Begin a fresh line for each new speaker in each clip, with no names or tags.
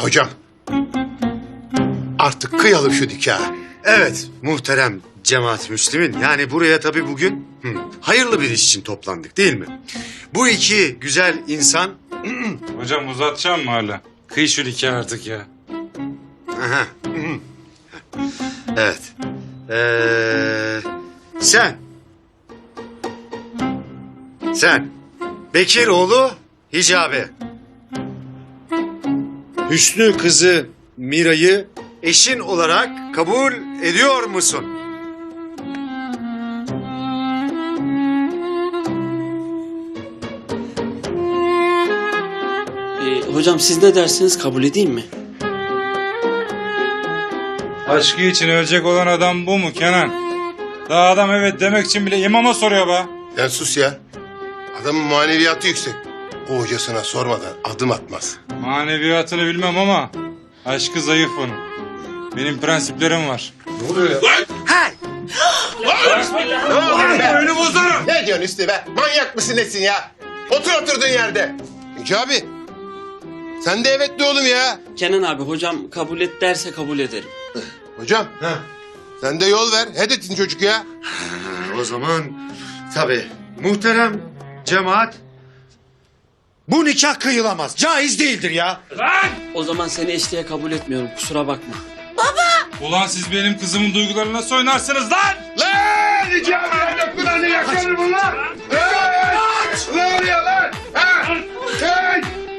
Hocam. Artık kıyalım şu nikahı.
Evet muhterem cemaat Müslümin. Yani buraya tabii bugün hayırlı bir iş için toplandık değil mi? Bu iki güzel insan...
Hocam uzatacağım mı hala? Kıy şu nikahı artık ya.
Aha. Evet. Sen. Bekiroğlu Hicabi. Hüsnü kızı Mira'yı eşin olarak kabul ediyor musun?
Hocam siz ne dersiniz, kabul edeyim mi?
Aşkı için ölecek olan adam bu mu Kenan? Daha adam evet demek için bile imama soruyor be.
Sen sus ya. Adamın maneviyatı yüksek. O hocasına sormadan adım atmaz.
Maneviyatını bilmem ama aşkı zayıf onun. Benim prensiplerim var.
Ne oluyor ya?
Hey!
Önü bozarım. Ne diyorsun Üstü be? Manyak mısın nesin ya? Otur oturduğun yerde. Hicabi. Sen de evet de oğlum ya.
Kenan abi, hocam kabul et derse kabul ederim.
Hocam. Sen de yol ver. Hedetin çocuk ya.
O zaman tabii muhterem cemaat bu nikah kıyılamaz. Caiz değildir ya.
O zaman seni eşliğe kabul etmiyorum, kusura bakma.
Ulan siz benim kızımın duygularına nasıl oynarsınız lan?
Lan! Hicabi kulağını yakarım bunlar. Ne oluyor lan? Ha? Hey!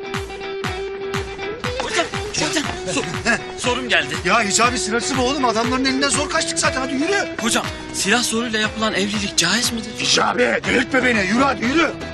Hocam, sorum geldi.
Ya Hicabi sırası mı oğlum? Adamların elinden zor kaçtık zaten. Hadi yürü.
Hocam, silah zoruyla yapılan evlilik caiz midir?
Hicabi delirtme beni. Yürü hadi yürü.